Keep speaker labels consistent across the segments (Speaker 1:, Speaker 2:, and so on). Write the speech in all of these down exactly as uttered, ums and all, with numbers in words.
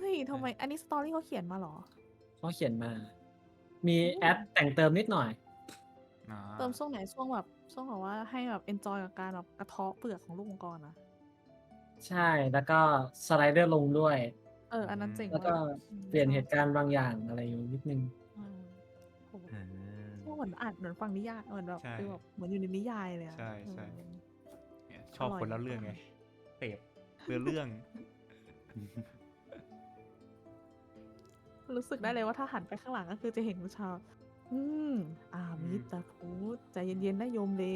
Speaker 1: ฮ้ยทำไมอันนี้สตอรี่เขาเขียนมาเหรอ
Speaker 2: เขาเขียนมา มี
Speaker 1: โอ้
Speaker 2: แอดแต่งเติมนิดหน่อย
Speaker 3: อ๋อ
Speaker 1: เติมช่วงไหนช่วงแบบช่วงแบบว่าให้แบบ enjoy กับการแบบกระเทาะเปลือกของลูกมังกรอะ
Speaker 2: ใช่ แล้วก็สไลเดอร์ลงด้วย
Speaker 1: เอออันนั้นเจ๋ง
Speaker 2: แล้วก็
Speaker 1: มากอืม
Speaker 2: เปลี่ยน
Speaker 1: ชอบ
Speaker 2: เหตุการณ์บางอย่างอะไรอยู่นิดนึง
Speaker 1: อืมโห
Speaker 3: อ่า
Speaker 1: ก็เหมือนอ่านเหมือนฟังนิยายเหมือนแบบ
Speaker 3: ใช่
Speaker 1: ฟีลแบบเหมือนอยู่ในนิยายเลยอะ
Speaker 3: ใช่
Speaker 1: เอ
Speaker 3: ใช่
Speaker 1: อ
Speaker 3: เนี่ยช
Speaker 1: อร่อย
Speaker 3: อบคนเล่าเรื่องไงเสพเรื่องเรื่อง
Speaker 1: รู้สึกได้เลยว่าถ้าหันไปข้างหลังก็คือจะเห็นผู้ชายอืมอา
Speaker 3: อื
Speaker 1: มิ
Speaker 3: ม
Speaker 1: ตาพุทธใจเย็นๆนะโยมเล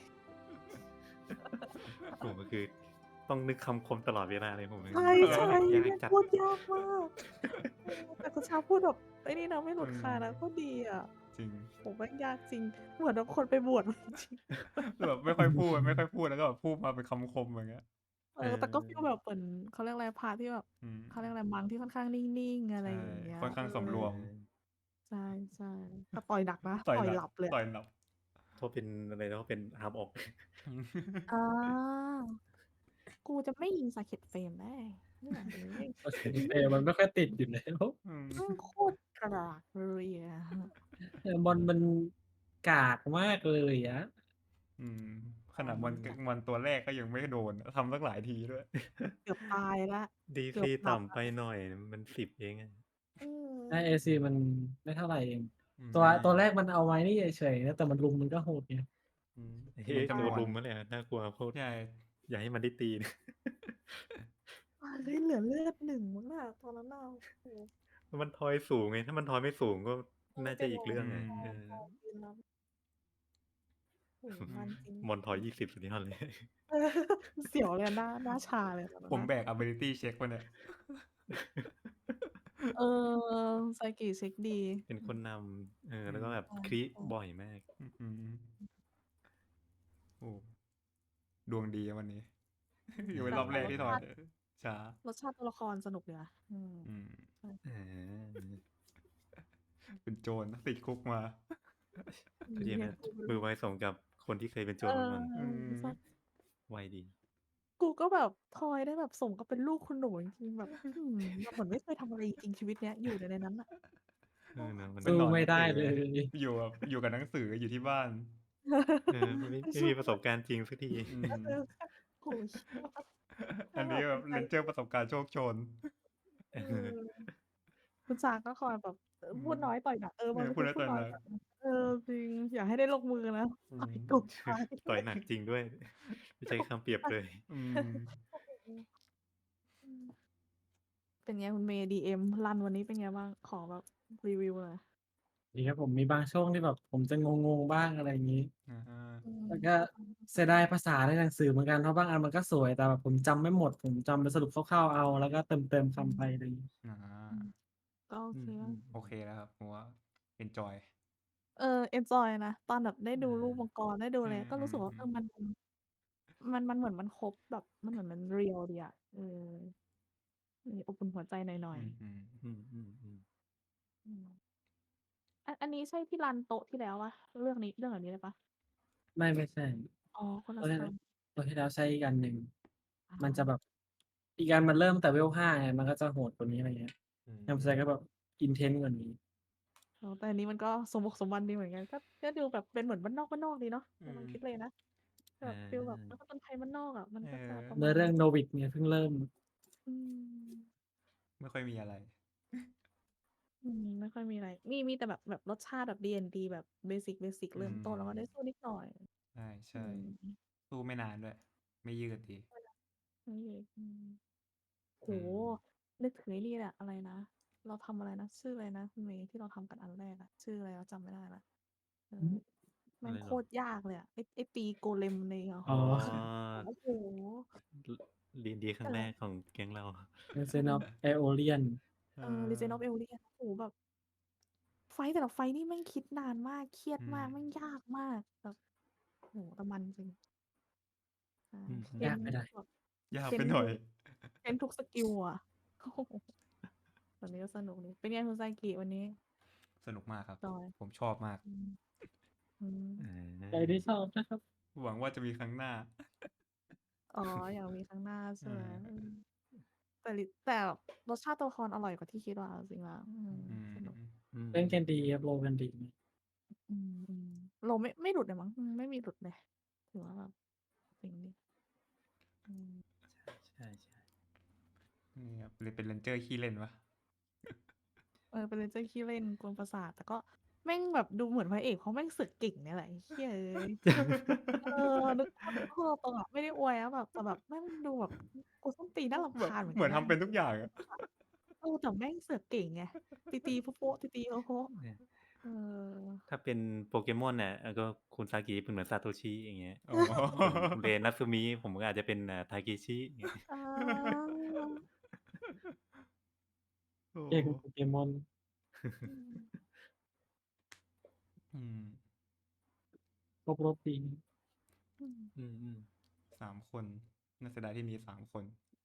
Speaker 4: ผมก็คือต้องนึกคำคมตลอดเวลาเลยผม
Speaker 1: ใช่ใช่
Speaker 4: ยาก
Speaker 1: แม่ง
Speaker 4: จัด
Speaker 1: พูดยากมากเออแต่คุณชาพูดแบบไอ้นี่นะไม่หลุดคานะก็ดีอ่ะ
Speaker 3: จริง
Speaker 1: ผมแม่งยากจริงเหมือนแบบคนไปบวชมาจริง
Speaker 3: แบบไม่ค่อยพูดไม่ค่อยพูดแล้วก็แบบพูดมาเป็นคำคมอย่างเงี้ย
Speaker 1: เออแต่ก็ฟีลแบบเหมือนเขาเรียกอะไรพาที่แบบ
Speaker 3: อืม
Speaker 1: เขาเรียกอะไรมังที่ค่อนข้างนิ่งๆอะไร
Speaker 3: ใช่
Speaker 1: อย่างเงี้ย
Speaker 3: ค่อนข้างสำรวม
Speaker 1: ใช่ใช่แต่ต่อยหนักนะ
Speaker 3: ต่อย
Speaker 1: ต่อย
Speaker 3: หนัก
Speaker 1: หลับเลย
Speaker 3: ต่อยหนับ
Speaker 4: เขาเป็นอะไรนะเขาเป็นอาร์มออก
Speaker 1: อ่ากูจะไม่ยิงสาเก็ตเฟรมได้เนี่ยเลย
Speaker 2: โอเคเออมันไม่ค่อยติดอยู่แล้ว
Speaker 3: อืม
Speaker 1: แม่งโคตรกระดากเลยอ่ะ
Speaker 2: เออบอลมันกากมากเลยอะ
Speaker 3: อืมขนาดมันมันตัวแรกก็ยังไม่โดนทำตั้งหลายทีด้วย
Speaker 1: เกือบตายละ
Speaker 4: ดี
Speaker 1: เกือ
Speaker 4: ซี
Speaker 1: บหลับ
Speaker 4: ต่ำไป
Speaker 1: ละ
Speaker 4: หน่อยมันสิบเองอะ
Speaker 1: อื
Speaker 2: ไอเอ
Speaker 1: ม
Speaker 2: ซีมันไม่เท่าไหร่เอง
Speaker 3: อืม
Speaker 2: ตัวตัวแรกมันเอาไว้นี่เฉยๆนะแต่มันลุมมันก็โหดไง
Speaker 3: อืม
Speaker 4: เฮ้
Speaker 3: เน้น
Speaker 4: ยตัว
Speaker 3: จำนวน
Speaker 4: ลุมนั่นแหละน่ากลัวโคตร
Speaker 3: ใช่
Speaker 4: อย่าให้มันได้ตีนะ
Speaker 1: เฮ้ยเหลือเลือดหนึ่งมั้งน่ะตอนนั้นน่ะโอ้โห
Speaker 4: มันทอยสูงไงถ้ามันทอยไม่สูงก็
Speaker 1: ไม่
Speaker 4: น่าจะ
Speaker 1: เป็นไร
Speaker 4: อีกเรื่อง
Speaker 3: อื
Speaker 4: ไง
Speaker 3: ม
Speaker 4: เออ
Speaker 1: พอกินแล้วโอ้โหมันจริง
Speaker 4: มอนทอยยี่สิบสุดยอดเลย
Speaker 1: เออเสียวเลยอะหน้าหน้าชาเลยตอนนั้น
Speaker 3: ผม
Speaker 1: น่ะ
Speaker 3: แบก ability check มาเนี่ย
Speaker 1: เออไซกิเช็คดี
Speaker 4: เป็นคนนำเออแล้วก็แบบ
Speaker 1: ใช่
Speaker 4: คริ
Speaker 1: ใช่
Speaker 4: บ่อยมาก
Speaker 3: อืมโอ้ดวงดีอะวันนี้ อยู่เป็นรอบแรกที่ถอยช้าร
Speaker 1: สชาติตัวละครสนุกดีว่ะอืม
Speaker 3: อืม
Speaker 4: อ่า
Speaker 3: เป็นโจรนะติดคุกมา
Speaker 1: อืม
Speaker 4: ก็ดี
Speaker 1: เนี่
Speaker 4: นะ
Speaker 1: ยกู
Speaker 4: มือไวสมกับคนที่เคยเป็นโจ
Speaker 1: เอ
Speaker 4: ร
Speaker 1: อ
Speaker 4: มาก่อน
Speaker 3: อืม
Speaker 1: ใช่
Speaker 4: ไวดี
Speaker 1: กูก็แบบทอยได้แบบสมกับเป็นลูกคุณหนูจริงๆแบบอืมแบบเหมือนไม่เคยทำอะไรจริงๆชีวิตเนี้ยอยู่แต่ในนั้นน่ะ
Speaker 4: เออเนอะมัน
Speaker 3: เป็น
Speaker 2: สู้
Speaker 3: หนอนห
Speaker 2: ไม่
Speaker 3: นัง
Speaker 2: ได้
Speaker 3: สือ
Speaker 2: เลย
Speaker 3: อยู่แบบอยู่กับหนังสืออยู่ที่บ้าน
Speaker 4: เออไม่ไม่ไม่มีประสบการณ์จริงสักที
Speaker 3: อืม
Speaker 1: เออโอ้โฮเหี้ย
Speaker 3: อันนี้แบบเรนเจอร์ประสบการณ์โชคโชน
Speaker 4: เอ
Speaker 1: เอ
Speaker 4: อ
Speaker 1: อคุณจางก็คอยแบบเออ
Speaker 3: อืม
Speaker 1: พูดน้อยต่อยหนักเออ
Speaker 3: เอ
Speaker 1: มัน
Speaker 3: อ
Speaker 1: เป็น
Speaker 3: พูด
Speaker 1: คน
Speaker 3: น้อย
Speaker 1: พูด
Speaker 3: ต่อย
Speaker 1: น้อ
Speaker 3: หนัก
Speaker 1: ยแบบเออจริงอย่าให้ได้ลงมือนะ
Speaker 3: อื
Speaker 1: ต่อย
Speaker 3: ม
Speaker 1: ตุกตาย
Speaker 4: ต่อยหนักจริงด้วย ไม่ใช่คำเปรียบเลย
Speaker 3: อืม
Speaker 1: โอ้โฮอืมเป็นไงคุณเมย์ ดี เอ็ม รันวันนี้เป็นไงบ้าง ขอแบบรีวิวหน่อย
Speaker 2: ดีครับผมมีบางช่วงที่แบบผมจะงงๆบ้างอะไรอย่างงี้
Speaker 3: อา
Speaker 1: อืม
Speaker 2: แล้วก็เสียดายภาษาในหนังสือเหมือนกันเพราะบางอันมันก็สวยแต่แบบผมจำไม่หมดผมจำเป็นสรุปคร่าวๆเอาแล้วก็เติมๆคำไปอะไรอย่างงี้
Speaker 3: อา
Speaker 1: อืม ก็โอ
Speaker 4: อื
Speaker 1: เค
Speaker 4: ม
Speaker 1: แล้ว
Speaker 4: ๆ
Speaker 3: โอเคแล้วครับผมว่า เอนจอย
Speaker 1: เออ เอนจอยนะ ตอนแบบได้ดูลูกมังกร ได้ดูอะ
Speaker 3: อื
Speaker 1: ไร ก็รู้สึกว่า เออ
Speaker 3: ม ๆ ๆ
Speaker 1: มัน มัน มันเหมือนมันครบแบบ มันเหมือนมัน เรียล ดีอะ เออ มีอบอุ่นหัวใจหน่อ
Speaker 3: อื
Speaker 1: ย
Speaker 3: ม
Speaker 1: ๆ
Speaker 3: ๆ
Speaker 4: อืม ๆ ๆ
Speaker 1: อืม อัน อันนี้ใช่ที่รันโต๊ะที่แล้วเปล่า? เรื่องนี้ เรื่องแบบนี้เลยเปล่า?
Speaker 2: ไม่ ไม่ใช่
Speaker 1: อ๋อ คน
Speaker 2: ตั
Speaker 1: ละ
Speaker 2: วที่
Speaker 1: สไตล์
Speaker 2: ตัวที่แล้วใช้อีกอันหนึ่ง
Speaker 1: อ๋
Speaker 2: มันจะแบ
Speaker 1: อ
Speaker 2: บ อีกอันมันเริ่มตั้งแต่ Level ห้า ไง มันก็จะโหดกว่านี้ อะไรเงี้ย
Speaker 4: อื
Speaker 2: แอมไซก็
Speaker 4: ม
Speaker 2: แบบ intense กว่านี้
Speaker 1: อ๋อ แต่อันนี้มันก็สมบุกสมบันดีเหมือนกัน ก็ ก็ดูแบบเป็นเหมือนบ้านนอก ๆ ดีเนาะ
Speaker 3: อื
Speaker 1: ในความคิด
Speaker 3: ม
Speaker 1: เลยนะ แบ
Speaker 4: อา
Speaker 1: บฟีลแบบนักผจญภัยบ้านนอกอะ มัน
Speaker 3: เ
Speaker 1: ก็จะประ
Speaker 3: ออ
Speaker 2: เน
Speaker 1: มื้า
Speaker 2: อ
Speaker 1: ณน
Speaker 2: เรื่ั่
Speaker 1: น
Speaker 2: อง Novick ไงเพิ่งเริ่ม
Speaker 1: อืม
Speaker 3: ไม่ค่อยมีอะไร
Speaker 1: อืม ไม่ค่อยมีอะไร มี มีแต่แบบ แบบรสชาติแบบ ดี แอนด์ ดี แบบเบสิก ๆ
Speaker 3: อื
Speaker 1: เริ่มต้น แล้วก็ได้
Speaker 3: ม
Speaker 1: สู้นิดหน่อย
Speaker 3: ใช
Speaker 1: อื่ม
Speaker 3: ๆ สู้ไม่นานด้วย ไม่ยืดดี
Speaker 1: อืม โอ้
Speaker 4: อื
Speaker 1: โฮ
Speaker 4: ม
Speaker 1: นึกถึงไอ้นี่แหละ อะไรนะ เราทำอะไรนะ ชื่ออะไรนะคุณเมย์ที่เราทำกันอันแรกอะ ชื่ออะไรวะจำไม่ได้แล้ว เออ
Speaker 2: อือ
Speaker 1: แม
Speaker 4: อ่ะไร
Speaker 1: งโค
Speaker 4: เหรอ?
Speaker 1: ตรยากเลยอะ ไอ้ ไอ้ตีโกเลมใน ห
Speaker 2: อ๋อ
Speaker 1: โอ้โฮ
Speaker 4: ล ดี ๆ ครั้งแรกของแก๊งเรา
Speaker 2: Legend of Aeolian
Speaker 3: เ
Speaker 1: เออ Legend
Speaker 3: ออ
Speaker 1: of Aeolian โอ้โฮ แบบ ไฟต์แต่ละไฟต์นี่แม่งคิดนานมาก เครียด
Speaker 3: อื
Speaker 1: มาก แม่ง
Speaker 3: ม
Speaker 1: ยากมาก แบบ โอ้โฮ แต่มันจริง ใช่
Speaker 4: อื
Speaker 1: เค้
Speaker 4: ม
Speaker 2: ยาก
Speaker 1: น
Speaker 2: ไปหน่อย
Speaker 1: แบบ
Speaker 3: ยา
Speaker 1: เ
Speaker 3: ก
Speaker 1: ค้นท
Speaker 3: ไปหน่อุย
Speaker 1: ก เค้นทุกสกิลอะ โอ้โฮ แบบนี้ก็สนุกดี เป็นไงคุณไซกิวันนี้?
Speaker 3: สนุกมากครับ
Speaker 1: จอย
Speaker 3: ผมชอบมาก
Speaker 1: อืม อื
Speaker 4: อ
Speaker 1: ม
Speaker 2: ใครที่ชอบ
Speaker 4: า
Speaker 2: นะครับ
Speaker 3: หวังว่าจะมีครั้งหน้า
Speaker 1: อ๋อ อยากมีครั้งหน้าใช่
Speaker 3: อื
Speaker 1: ไหม?
Speaker 3: ม
Speaker 1: อืมแต่ลิแต่รสชาติตัวละครอร่อยกว่าที่คิดว่ะเอาจริงแล้วอืม
Speaker 3: อืม
Speaker 1: สนุก
Speaker 4: อืม
Speaker 2: เล่นกันดีครับโรลกันดี
Speaker 1: อืมอืมเราไม่ไม่หลุดเลยมั้งอืมไม่มีหลุดเลยถือว่าแบบจริงดิอืม
Speaker 4: ใช่ใช่
Speaker 3: นี่ครับเลยเป็นเรนเจอร์ขี้เล่นวะ
Speaker 1: เออเป็นเรนเจอร์ขี้เล่นกวนประสาทแต่ก็แม่งแบบดูเหมือนพระเอกเพราะแม่งสึกเก่งเนี่ยแหละไอ้เฮ้ยเอ้ยเออนึกภาพเพิ่มตรงอ่ะไม่ได้อวยนะแบบแต่แบบแม่งดูแบบกูส้นตีนน่ารำ
Speaker 3: เหมือน
Speaker 1: คาญเหมือน
Speaker 3: เหมื
Speaker 1: กั
Speaker 3: อน
Speaker 1: น
Speaker 3: ทำเป็นทุกอย่างอะ
Speaker 1: เออแต่แม่งเสือกเก่งไงตีตีโป๊ะโป๊ะตีตีโป๊ะโป๊ะ
Speaker 4: เนี่ย
Speaker 1: เออ
Speaker 4: ถ้าเป็นโปเกมอนเนี่ยเออก็คุณซากิเป็นเหมือนซาโตชิอย่างเงี้ย
Speaker 3: อ๋อ
Speaker 4: ส่วนคุณเรนัตสึมิผมก็อาจจะเป็นอ่าทาเกชิอย่างเงี้ย
Speaker 1: อ่า
Speaker 3: โอ้
Speaker 2: เก่งโปเกมอน
Speaker 1: อืม
Speaker 3: อืม
Speaker 2: ครบรสดี
Speaker 1: อืม
Speaker 4: อืมอืม
Speaker 3: สามคนน่าเสียดายที่มีสามคน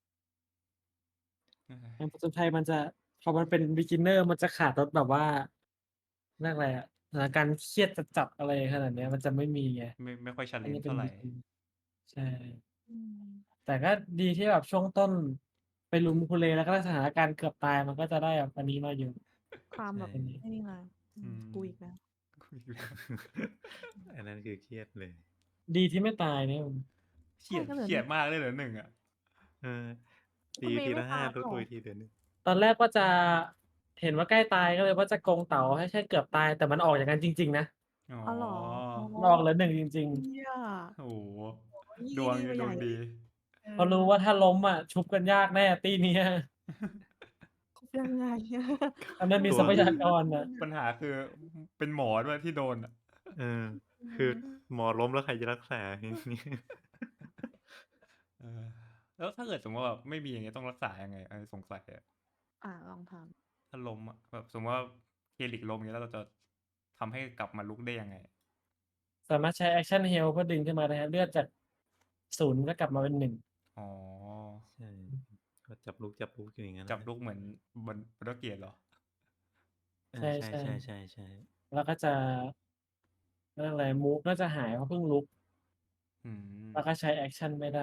Speaker 3: เอ้ย
Speaker 2: อย่างผจญภัยมันจะพอมันเป็น beginner มันจะขาดรสแบบว่าเรียกอะไรอะสถานการณ์เครียดจัดๆอะไรขนาดเนี้ยมันจะไม่มีไง
Speaker 3: ไม่ไม่ค่อยชัน
Speaker 2: อั
Speaker 3: เล
Speaker 2: น
Speaker 3: น
Speaker 2: นี้เป็น
Speaker 3: เท่าไหร่
Speaker 2: begin ใช่
Speaker 1: อืม
Speaker 2: แต่ก็ดีที่แบบช่วงต้นไปลุมคุเลแล้วก็สถานการณ์เกือบตายมันก็จะได้แบบอันนี้มาอยู่
Speaker 1: ความแบบ
Speaker 4: ใช่
Speaker 1: ไอ้นี่มาอื
Speaker 3: อื
Speaker 1: ม
Speaker 3: ม
Speaker 1: กูอีกแล้ว
Speaker 3: คุยอยู่แล้ว
Speaker 4: อันนั้นคือเครียดเลย
Speaker 2: ดีที่ไม่ตายเนี่ย
Speaker 3: เขียด
Speaker 1: ใช่ก็เหลือ
Speaker 3: เขียดมากเลยเหรอหนึ่งอ่ะ
Speaker 4: เออ
Speaker 1: คุ
Speaker 4: ตี
Speaker 1: ณเมย์
Speaker 4: ที
Speaker 1: ไม่
Speaker 4: ละห้า
Speaker 1: ตาย
Speaker 4: รู้
Speaker 1: เหร
Speaker 4: ตัว
Speaker 1: อ
Speaker 4: อีกทีเดือนหนึง
Speaker 2: ตอนแรกว่าจะเห็นว่าใกล้ตายก็เลยว่าจะโกงเต๋าให้แค่เกือบตาย แต่มันออกอย่างนั้นจริง ๆ นะ
Speaker 3: อ๋อ
Speaker 1: อ๋อเหรออ๋อ
Speaker 2: มันออกเหลือหนึ่งจริง
Speaker 1: เหี้ย
Speaker 3: โอ้โฮ
Speaker 1: ยิ่
Speaker 3: ดวง
Speaker 1: ดีไป
Speaker 3: ด
Speaker 1: ให
Speaker 3: ว
Speaker 1: ญ่
Speaker 3: ง
Speaker 1: เล
Speaker 3: ดี
Speaker 1: ย เอ
Speaker 2: ๆ เพราะรู้ว่าถ้าล้มอะชุบกันยากแน่ตี้เนี้ย
Speaker 1: ยังไง
Speaker 2: มันไม่มี
Speaker 4: ตัว
Speaker 2: ทรัพยากรน่ะ
Speaker 3: ปัญหาคือ เป็นหมอด้วยที่โดนอะ
Speaker 4: เออ
Speaker 1: อื
Speaker 4: คือ
Speaker 1: ม
Speaker 4: หมอล้มแล้วใครจะรักษา อย่างงี้
Speaker 3: เออ แล้วถ้าเกิดสมมุติว่าแบบไม่มีอย่างเงี้ยต้องรักษายังไง? อันนี้สงสัยอะ
Speaker 1: อ่า ลองทำ
Speaker 3: ถ้าล้มอะ แบบสมมุติว่า Helix ล้มอย่างงี้ แล้วเราจะทำให้กลับมาลุกได้ยังไง?
Speaker 2: สามารถใช้ Action Heal เพื่อดึงขึ้นมาได้ครับ เลือดจาก ศูนย์ ก็กลับมาเป็น หนึ่ง
Speaker 3: อ๋อ
Speaker 4: ใช่ ก็จับลุก จับลุกอยู่อย่างงั้น
Speaker 3: จับ
Speaker 4: น่ะ
Speaker 3: ลุกเหมือนบน Baldur's Gate เหรอ?
Speaker 4: เอ
Speaker 2: ใ
Speaker 4: อ
Speaker 2: ช
Speaker 4: ใช่
Speaker 2: ๆ
Speaker 4: ๆ ๆ ๆ
Speaker 2: แล้วก็จะ เขาเรียกอะไร มูฟก็จะหายเพราะเพิ่งลุก
Speaker 3: อื
Speaker 2: แล้ว
Speaker 3: ม
Speaker 2: ก็ใช้แอกชันไม่ได้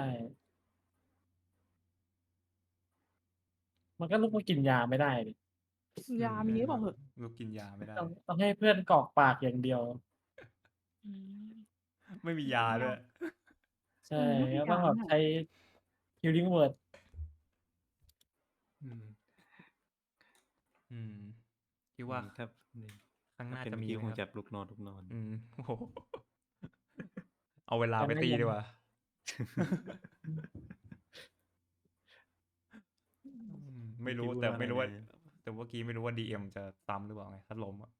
Speaker 2: มันก็ลุกมากินยาไม่ได้ดิ
Speaker 3: อื
Speaker 1: ยาม มีหรือเปล่าเหอะ?
Speaker 3: ลุกกินยาไม่ได้
Speaker 2: ต้อง ต้องให้เพื่อนกรอกปากอย่างเดียว
Speaker 1: อืม
Speaker 3: ไม่มียาด้วย
Speaker 2: ใช่
Speaker 1: อืม ไม่มี
Speaker 2: ก็
Speaker 1: ย
Speaker 2: ต้
Speaker 1: า
Speaker 2: องแบบ
Speaker 1: เนี่
Speaker 2: ใ
Speaker 1: ย
Speaker 2: ช้ healing word
Speaker 4: อืม
Speaker 3: อืม คิด
Speaker 4: อื
Speaker 3: ว่า
Speaker 4: ม ครับ นี่
Speaker 3: ข้างหน้า
Speaker 4: ถ้าเป็น
Speaker 3: จะ
Speaker 4: เมื่อ
Speaker 3: มี
Speaker 4: กี้
Speaker 3: ไหม
Speaker 4: คง
Speaker 3: ครับ?
Speaker 4: จับลุกนอน ลุกนอน
Speaker 3: อืม โอ้โฮ เอาเวลา
Speaker 2: ยัง
Speaker 3: ไป
Speaker 2: ไม่
Speaker 3: ตี
Speaker 2: ยั
Speaker 3: ดี
Speaker 2: ง
Speaker 3: กว่า
Speaker 2: อืม
Speaker 1: อื
Speaker 3: อื
Speaker 1: ม
Speaker 3: ม ไม่รู้
Speaker 4: เมื่อกี้พูด
Speaker 3: แต่
Speaker 4: ว่า
Speaker 3: ไม่รู้
Speaker 4: อะไร
Speaker 3: ว่า
Speaker 4: นะ?
Speaker 3: แต่เมื่อกี้ไม่รู้ว่า ดี เอ็ม จะซ้ำหรือเปล่าไง ถ้าล้มอะ?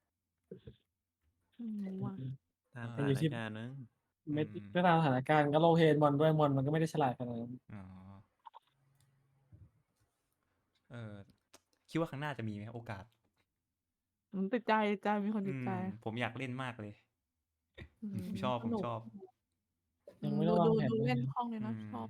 Speaker 1: ไม่รู้อะ
Speaker 4: ตาม
Speaker 3: เอ
Speaker 4: ส
Speaker 2: มัน
Speaker 4: ถ
Speaker 2: อยู
Speaker 4: า
Speaker 2: ่
Speaker 4: น
Speaker 2: ที่
Speaker 4: การณ์มั้ง
Speaker 3: อื
Speaker 2: เม็ด
Speaker 3: ม
Speaker 2: ก็ตามสถานการณ์ ก็ roll Haze มอนด้วย มอนมันก็ไม่ได้ฉลาดขนาดนั้น
Speaker 3: อ๋อ เออ คิดว่าข้างหน้าจะมีไหมครับโอกาส?
Speaker 1: อืม ติดใจ ติดใจ มีคน
Speaker 3: อื
Speaker 1: ติดใจ
Speaker 3: ม ผมอยากเล่นมากเลย
Speaker 1: อืม
Speaker 3: ผมชอบ
Speaker 1: สนุก
Speaker 3: ผมชอบ
Speaker 1: อืม
Speaker 2: ยังไม่ไ
Speaker 1: ด
Speaker 2: ดู้วา
Speaker 1: ด
Speaker 2: งแผน
Speaker 1: ดู
Speaker 2: เล
Speaker 1: เล่น
Speaker 2: ย
Speaker 1: คล่องดี
Speaker 3: อื
Speaker 1: นะ
Speaker 3: ม
Speaker 1: ชอบ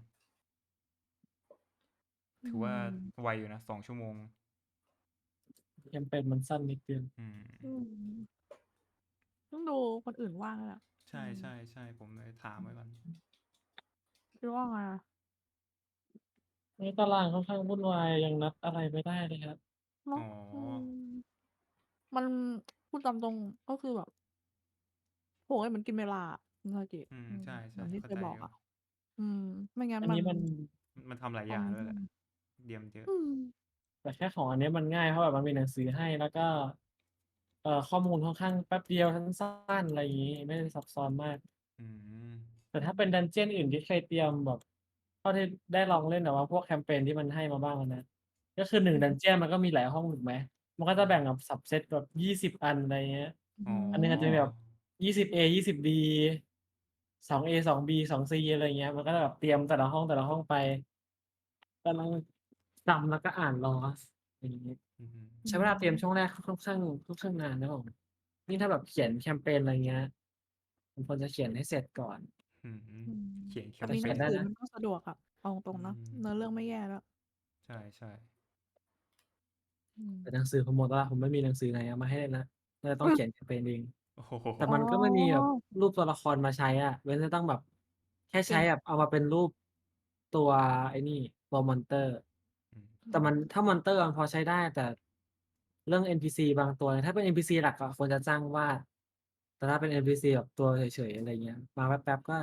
Speaker 1: อื
Speaker 3: ถือว่า
Speaker 1: ม
Speaker 3: ไวอยู่นะ สอง ชั่วโมง
Speaker 2: Campaign มันสั้นนิดเดียว
Speaker 3: อืม
Speaker 1: อืม ต้องดูคนอื่นว่าด้วยแหละ
Speaker 3: ใช
Speaker 1: อืม
Speaker 3: ๆ ๆ ผมเลยถามไว้ก่อน
Speaker 1: คิดว่าไงอะ?
Speaker 2: ตอนนี้ตารางค่อนข้างวุ่นวาย ยังนัดอะไรไม่ได้เลยครับ
Speaker 1: เนา
Speaker 3: อ๋
Speaker 1: ะ
Speaker 3: อ
Speaker 1: อืม มัน พูดตามตรง ก็คือแบบ โอ้โฮ มันกินเวลาอะ คุณซากิ
Speaker 3: อืม
Speaker 1: อืม
Speaker 3: ใช
Speaker 1: เหมื่อนที่
Speaker 3: ๆ เข้
Speaker 1: เค
Speaker 3: าใจอยู
Speaker 1: ยบอกอ่ะ อืม ไม่งั้น
Speaker 2: อันน
Speaker 1: มั
Speaker 2: ี้
Speaker 1: น
Speaker 2: มัน
Speaker 3: มันทำหลาย
Speaker 1: ต
Speaker 3: อ
Speaker 1: อน
Speaker 3: ย่างด้ว
Speaker 1: อื
Speaker 3: ยแหละ
Speaker 1: ม
Speaker 3: เรียนเยอะ
Speaker 1: อืม
Speaker 2: แต่แค่ของอันเนี้ยมันง่าย เพราะแบบมันมีหนังสือให้ แล้วก็ เอ่อ ข้อมูลค่อนข้างแป๊บเดียว สั้น ๆ อะไรงี้ ไม่ได้ซับซ้อนมาก
Speaker 3: อืม
Speaker 2: แต่ถ้าเป็น Dungeon อื่นที่เคยเตรียมแบบ เท่าที่ได้ลองเล่นแบบว่าพวก Campaign ที่มันให้มาบ้างอะนะ ก็คือ หนึ่ง
Speaker 1: อืม
Speaker 2: Dungeon มันก็มีหลายห้องถูกไหม มันก็จะแบ่งแบบ subset แบบ ยี่สิบ อัน อะไรเงี้ย
Speaker 1: อื
Speaker 3: อ๋อ
Speaker 2: อันหนึ่งอาจจะมีแบบ
Speaker 1: ม
Speaker 2: ยี่สิบ เอ ยี่สิบ บี สอง เอ สอง บี สอง ซี อะไรเงี้ย มันก็จะแบบเตรียมแต่ละห้อง แต่ละห้องไป ก็นั่งจำแล้วก็อ่าน Lost อะไรงี้
Speaker 3: อือฮึ
Speaker 2: ใช้เวลาเตรียมช่วงแรกค่อนข้าง ค่อนข้างนานนะครับผม ยิ่งถ้าแบบเขียน Campaign อะไรเงี้ย มันควรจะเขียนให้เสร็จก่อน
Speaker 3: อืม
Speaker 1: อืม
Speaker 3: เขียน
Speaker 1: แต่มีห
Speaker 2: เขียน
Speaker 1: นัง
Speaker 3: Campaign
Speaker 2: ได้นะ
Speaker 1: สือมันก็สะดวกอะ เอาตร
Speaker 3: อื
Speaker 1: ง ๆ เนาะ
Speaker 3: ม
Speaker 1: เนื้อเรื่องไม่แย่ด้วย
Speaker 3: ใช่ ๆ
Speaker 1: อื
Speaker 2: แต่
Speaker 1: ม
Speaker 2: หนังสือผมหมดแล้ว ผมไม่มีหนังสือไหนเอามาให้เล่นแล้ว น่าจะต้องเขียน Campaign เอง
Speaker 3: โอ้โ
Speaker 2: แต่
Speaker 3: ฮ
Speaker 2: มันก็ไม่มีแบบ
Speaker 1: อ๋อ
Speaker 2: รูปตัวละครมาใช้อะ เว้นจะต้องแบบ แค่
Speaker 1: เ
Speaker 2: ใ
Speaker 1: ป
Speaker 2: ช้
Speaker 1: ็น
Speaker 2: แบบเอามาเป็นรูปตัวไอ้นี่ ตัว Monster
Speaker 3: อื
Speaker 2: แต่มันถ้ามอนเตอร์มันพอใช้ได้ แต่เรื่อง เอ็น พี ซี บางตัว ถ้าเป็น เอ็น พี ซี หลักอะควรจะจ้างวาด แต่ถ้าเป็น เอ็น พี ซี แบบตัวเฉย ๆ อะไรเงี้ย มาแป๊บ ๆ ก็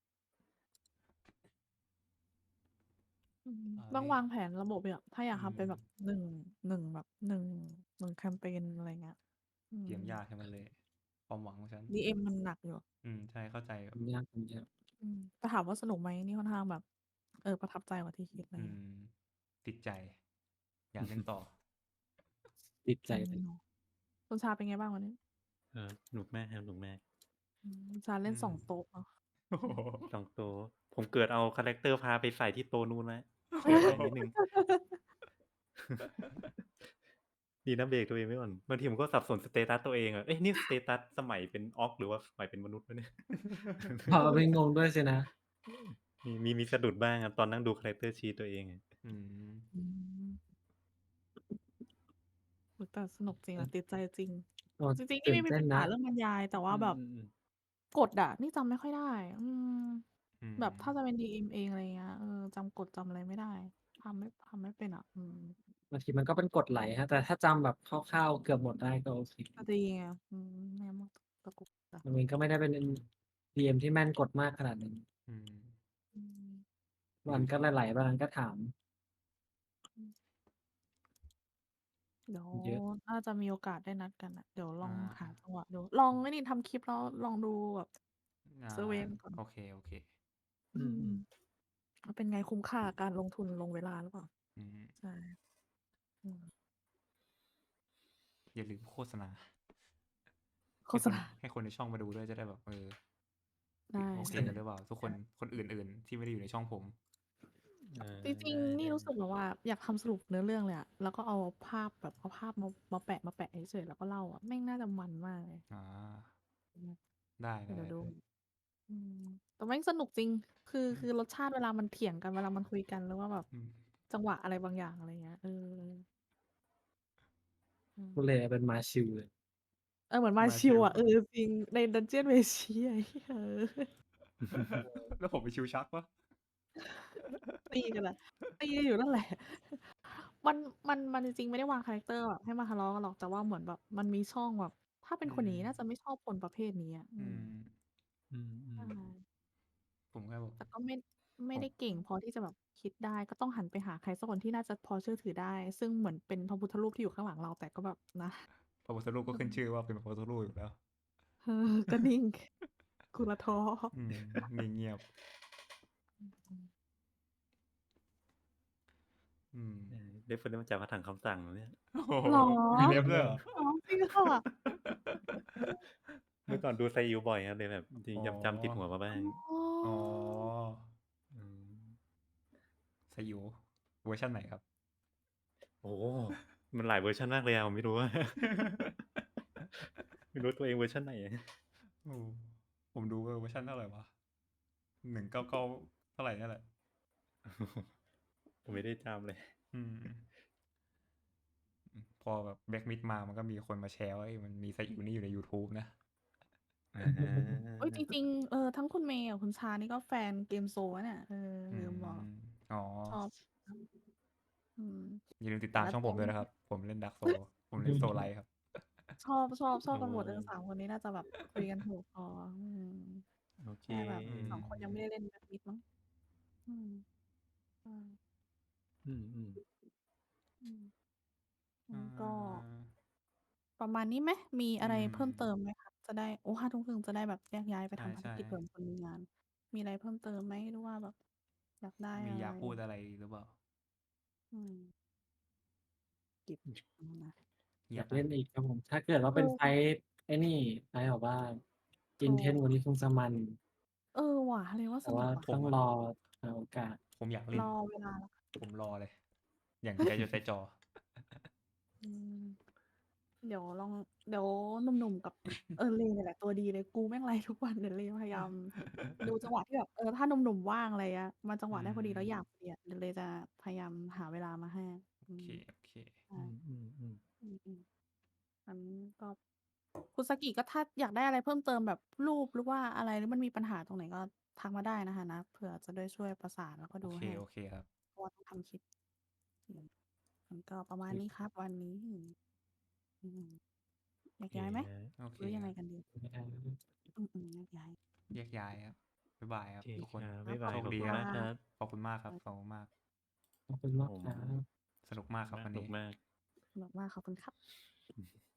Speaker 1: อืม
Speaker 3: อ่า
Speaker 1: ต้อง
Speaker 3: เลข
Speaker 1: วางแผนระบบอะ ถ้าอยาก
Speaker 3: อื
Speaker 1: ทำเป็นแบบ
Speaker 3: ม
Speaker 1: หนึ่ง หนึ่ง แบบ หนึ่ง หนึ่ง แคมเพน อะไรเงี้ย อื
Speaker 3: เกม
Speaker 1: ม
Speaker 3: ยากใช่ไหมเลย ความหวังของฉัน
Speaker 1: ดีเอ็ม มันหนักอยู่
Speaker 3: อืม ใช่ เข้าใจแบ
Speaker 2: มั
Speaker 3: บ
Speaker 2: นยาก มันยาก
Speaker 1: อืม แต่ถามว่าสนุกไหม นี่ค่อนข้างแบบ เออ ประทับใจกว่าที่คิด อะไร
Speaker 3: อื
Speaker 1: เงี้ย
Speaker 3: ม ติดใจ อยากเล่นต่อ
Speaker 2: ติดใจ
Speaker 1: อื
Speaker 2: เลย
Speaker 1: ม คุณชาเป็นไงบ้างวันนี้?
Speaker 4: เออ สนุกมากครับ สนุกมาก
Speaker 1: อืม คุณชาเ
Speaker 3: อ
Speaker 1: ล่
Speaker 3: ื
Speaker 1: น สอง
Speaker 3: ม
Speaker 1: โต๊ะเนาะ
Speaker 3: โอ้โฮ
Speaker 4: สอง โต๊ะ ผมเกือบเอาคาแรกเตอร์พาไปใส่ที่โต๊ะนู้นแล้ว เสียดายนิดหนึ่ง ดีนะเบรกตัวเองไว้ก่อน บางทีผมก็สับสนสเตตัสตัวเองอะ เอ๊ะ นี่สเตตัสสมัยเป็น Orc หรือว่าสมัยเป็นมนุษย์วะเนี่ย
Speaker 2: พาไปงงด้วยสินะ
Speaker 4: มี มี มีสะดุดบ้างครับ ตอนนั่งดูคาแรกเตอร์ชีตตัวเองอะ
Speaker 3: อืม
Speaker 1: อืม โอ้โฮ แต่สนุกจริง
Speaker 2: อ
Speaker 1: อืะ
Speaker 2: ม
Speaker 1: ติดใจจริง
Speaker 2: โอ้
Speaker 1: จริง ๆ น
Speaker 2: ตี่ื่
Speaker 1: ไ
Speaker 2: นเต
Speaker 1: ม่มี
Speaker 2: ้
Speaker 1: ป
Speaker 2: นั
Speaker 1: ญ
Speaker 2: น
Speaker 1: หา
Speaker 2: ะ
Speaker 1: เรื่องบรรยาย แต่ว่
Speaker 4: อ
Speaker 1: า
Speaker 4: ื
Speaker 1: แบบ
Speaker 4: ม ๆ ๆ
Speaker 1: กฎอะ นี่จำไม่ค่อยได้ อืม
Speaker 3: อื
Speaker 1: แบบถ้า
Speaker 3: ม
Speaker 1: จะเป็น ดี เอ็ม เอง อะไรเงี้ย เออ จำกฎจำอะไรไม่ได้ ทำไม่ ทำไม่เป็นอะ อืม
Speaker 2: บางทีมันก็เป็นกฎไหลครับ แต่ถ้าจำแบบคร่าว ๆ เกือบหมดได้ก็โอเค
Speaker 1: ก็ดีไง อืม ไม่งั้นมันตะกุกตะ
Speaker 2: ผมเองก็ไม่ได้เป็น ดี เอ็ม ที่แม่นกฎมากขนาดนั้น
Speaker 3: อืม
Speaker 1: อืม
Speaker 2: มันก็ไหล ๆ บางอันก็ถาม
Speaker 1: อืม เดี๋ยว
Speaker 2: เยอะ
Speaker 1: น่าจะมีโอกาสได้นัดกันน่ะ เดี๋ยวล
Speaker 3: อ
Speaker 1: องหา
Speaker 3: า
Speaker 1: จังหวะดู ลองไอ้นี่ทำคลิปแล้วลองดูแบบ
Speaker 3: อา
Speaker 1: เซอร์เวย์มันก่อน
Speaker 3: โอเค ๆ
Speaker 1: อื
Speaker 4: อื
Speaker 1: ม
Speaker 4: ม ๆ
Speaker 1: ว่าเป็นไง คุ้มค่ากับการลงทุนลงเวลาหรือเปล่า?
Speaker 3: อืม
Speaker 1: ใช่ อืม
Speaker 3: อย่าลืมโฆษณา
Speaker 1: โฆ
Speaker 3: ให้คน
Speaker 1: ษณา
Speaker 3: ให้คนในช่องมาดูด้วย จะได้แบบ เออ
Speaker 1: ได้
Speaker 3: โอเคกันหรือเปล่า ทุกคน คนอื่น ๆ ที่ไม่ได้อยู่ในช่องผม
Speaker 4: เออ
Speaker 1: จริง ๆ นี่
Speaker 4: ได้
Speaker 1: รู้สึกแบบว่าอยากทำสรุปเนื้อเรื่องเลยอะ แล้วก็เอาภาพแบบ เอาภาพมา มาแปะ ๆ เฉย ๆ แล้วก็เล่าอะ แม่งน่าจะมันมากเลย
Speaker 3: ๆ อา
Speaker 1: อืม
Speaker 3: ได้
Speaker 1: เดี๋ยวดู
Speaker 3: ๆ
Speaker 1: อืม แต่แม่งสนุกจริง คือ คือรสชาติเวลามันเถียงกัน เวลามันคุยกัน หรือว่าแบบ
Speaker 3: อืม
Speaker 1: จังหวะอะไรบางอย่าง อะไรเงี้ย เออ อื
Speaker 2: คุณ
Speaker 1: ม
Speaker 2: เลเป็นมาชิลเลย
Speaker 1: เออ เหมือนมา
Speaker 3: มา
Speaker 1: ช
Speaker 3: ชิิ
Speaker 1: ล
Speaker 3: ล
Speaker 1: อะ เออ จริง ใน Dungeon Meshi ไอ้เหี้ย เออ
Speaker 3: แล้วผมเป็นชิลชักเปล่า?
Speaker 1: ตีกันอะ ตีกันอยู่นั่นแหละ มัน มัน มันจริง ๆ ไม่ได้วางคาแรกเตอร์แบบให้มาทะเลาะกันหรอก แต่ว่าเหมือนแบบมันมีช่องแบบ ถ้าเป็
Speaker 3: อ
Speaker 1: นืคนอย่างงี้น่าจะ
Speaker 3: ม
Speaker 1: ไม่ชอบคนประเภทนี้อะ อื
Speaker 3: อื
Speaker 1: ม
Speaker 3: ม
Speaker 4: อื
Speaker 1: ใช
Speaker 4: ม ๆ
Speaker 1: ่
Speaker 3: ผมแค่แบบ
Speaker 1: แต่ก็ไม่ ไม่
Speaker 3: ผม
Speaker 1: ได้เก่งพอที่จะแบบคิดได้ ก็ต้องหันไปหาใครสักคนที่น่าจะพอเชื่อถือได้ ซึ่งเหมือนเป็นพระพุทธรูปที่อยู่ข้างหลังเรา แต่ก็แบบนะ
Speaker 3: พระพุทธรูปก็
Speaker 1: อืม
Speaker 3: ขึ้นชื่อว่าเป็นพระพุทธรูปอยู่แล้ว
Speaker 1: เออ ก็นิ่ง กุลท้อ
Speaker 3: อืม เงียบ ๆ
Speaker 1: อืม
Speaker 3: อืม
Speaker 4: เออ reference มาจากพระถังคำสั่งเหรอเนี่ย?
Speaker 3: โอ้โฮ
Speaker 1: เหรอ?
Speaker 3: มี ref ด้วยเหรอ?
Speaker 1: เหรอ จริงค่ะ
Speaker 4: เมื่อก่อนดูไซอิ๋วบ่อยครับ เลยแบบจริง
Speaker 3: อ๋อ
Speaker 4: จำ ๆ ติดหัวมาบ้าง
Speaker 1: อ๋
Speaker 3: อ๋อ
Speaker 1: อ
Speaker 4: อืม
Speaker 3: ไซอิ๋ว เวอร์ชันไหนครับ?
Speaker 4: โอ้โฮ มันหลายเวอร์ชันมากเลยอะ ผมไม่รู้ว่า ไม่รู้ตัวเองเวอร์ชันไหน
Speaker 3: โอ้ ผมดู เออ เวอร์ชันเท่าไรวะ หนึ่งเก้าเก้า เท่าไรเนี่ยแหละ
Speaker 4: ผมไม่ได้จำเลย
Speaker 3: อืม อือ พอแบบ Black Myth มา มันก็มีคนมาแชร์ว่า เฮ้ย มันมีไซอิ๋วนี่อยู่ในยูทูบนะ
Speaker 4: อ
Speaker 1: เฮ้ย จ
Speaker 4: า
Speaker 1: ริง ๆ เออ ทั้งคุณเมย์กับคุณชานี่ก็แฟน Game Soul นะเนี่ย เออ
Speaker 3: อื
Speaker 1: ลืมบอก
Speaker 3: ม อ๋อ
Speaker 1: ชอบ อืม
Speaker 3: อย่าลืมติด
Speaker 1: แต่ละ
Speaker 3: ตามช่องผมด้วยนะครับ ผมเล่น Dark Souls ผมเล่น Soulblight ครับ
Speaker 1: ชอบ ชอบ ชอบ
Speaker 4: อ๋
Speaker 1: กันหมด เออ
Speaker 4: อ
Speaker 1: สาม คนนี้น่าจะแบบคุยกันถูกคอ อืม
Speaker 4: โอเค
Speaker 1: แค่แบบ
Speaker 3: อื
Speaker 1: สอง คนยังไม่
Speaker 3: ม
Speaker 1: ได้เล่น Black Myth มั้ง อืม ใช่
Speaker 4: อืม ๆ
Speaker 1: อืม ง
Speaker 3: อั
Speaker 1: ้นก็
Speaker 3: า
Speaker 1: ประมาณนี้ไหม? มี
Speaker 3: อื
Speaker 1: อะไรเพิ่มเติ
Speaker 3: ม
Speaker 1: มไหมคะ? จะได้ โอ้ ห้าทุ่มครึ่ง จะได้แบบแยกย้ายไป
Speaker 3: ใ
Speaker 1: ทำภาร
Speaker 3: ช่
Speaker 1: กิจเผื่อ
Speaker 3: ๆ
Speaker 1: มีคนมีงาน มีอะไรเพิ่มเติมไหม? หรือว่าแบบอยากได้
Speaker 3: มี
Speaker 1: อะไ
Speaker 3: อย
Speaker 1: ร?
Speaker 3: ากพูดอะไรหรือเปล่า?
Speaker 1: อืม กิจ อืม นะ
Speaker 3: เงี
Speaker 2: อย
Speaker 3: ย
Speaker 2: าก
Speaker 3: บ
Speaker 2: เ
Speaker 3: น
Speaker 2: ล่
Speaker 3: ะ
Speaker 2: นอีกครับผม ถ้าเกิดว่า
Speaker 1: เ
Speaker 2: เป็นไฟ
Speaker 1: ออ
Speaker 2: ต์ไอ้นี่ ไฟต์แบบว่า
Speaker 1: ถู
Speaker 2: intense
Speaker 1: ก
Speaker 2: กว่านี้คงจะมัน
Speaker 1: เออว่ะ เล็งว่า
Speaker 2: แต
Speaker 1: ส่น
Speaker 2: วุ่า
Speaker 1: กว่ะ
Speaker 3: ผมอะ
Speaker 2: ต้องรอหาโอกาส
Speaker 3: ผมอยากเล่น
Speaker 1: รอเวลาแล้วกัน
Speaker 3: ผมรอเลย อย่างใจจดใจจ่อ
Speaker 1: อืม เดี๋ยวลอง เดี๋ยวหนุ่ม ๆ กับ เออ เลเนี่ยแหละตัวดีเลย กูแม่งไลฟ์ทุกวัน เดี๋ยวเลพยายามดูจังหวะที่แบบ เออ ถ้าหนุ่ม ๆ ว่าง อะไรเงี้ย มาจังห
Speaker 3: อื
Speaker 1: วะได้พอดีแล้วอยาก
Speaker 3: ม
Speaker 1: พอดีอะ เดี๋ยวเลจะพยายามหาเวลามาให้
Speaker 3: โอ
Speaker 1: อื
Speaker 3: เค
Speaker 1: ม ใช
Speaker 4: อ่ืม ๆ ๆ
Speaker 1: อืม ๆ งั้นก็ คุณซากิก็ถ้าอยากได้อะไรเพิ่มเติมแบบรูป หรือว่าอะไร หรือมันมีปัญหาตรงไหนก็ทักมาได้นะคะนะ เผื่อจะได้ช่วยประสานแล้วก็
Speaker 3: โอเค
Speaker 1: ดูให้
Speaker 3: โอเคครับ
Speaker 1: เพราะว่าต้องทำคลิป อืมก็ประมาณ
Speaker 2: อืม
Speaker 1: นี้ครับวันนี้ อืม แย
Speaker 4: โอก เค
Speaker 1: ย้ายไหม
Speaker 3: โอเค
Speaker 1: หรือยังไง
Speaker 3: ครับ
Speaker 1: กันดี?
Speaker 2: ครับ
Speaker 1: อืม ๆ แยกย้าย
Speaker 3: แยกย้ายครับ บ๊ายบายค
Speaker 4: โอ
Speaker 3: รับ
Speaker 4: เค
Speaker 3: ทุกคน
Speaker 4: ครับ
Speaker 1: ครั
Speaker 4: บ๊ายบาย
Speaker 3: โชค
Speaker 4: ขอบ
Speaker 3: ดี
Speaker 4: คุณ
Speaker 3: ครั
Speaker 4: มา
Speaker 3: บ
Speaker 4: กครับ
Speaker 3: ขอบคุณมากครับ
Speaker 1: ครับ
Speaker 3: ขอบคุณมาก
Speaker 2: ขอบคุณมาก
Speaker 4: ผม
Speaker 2: ครับ
Speaker 3: สนุกมากครับ
Speaker 4: น่า
Speaker 3: วัน
Speaker 4: สนุ
Speaker 3: นี้
Speaker 4: กมาก
Speaker 1: สนุกมาก ขอบคุณครับ
Speaker 4: อือฮึ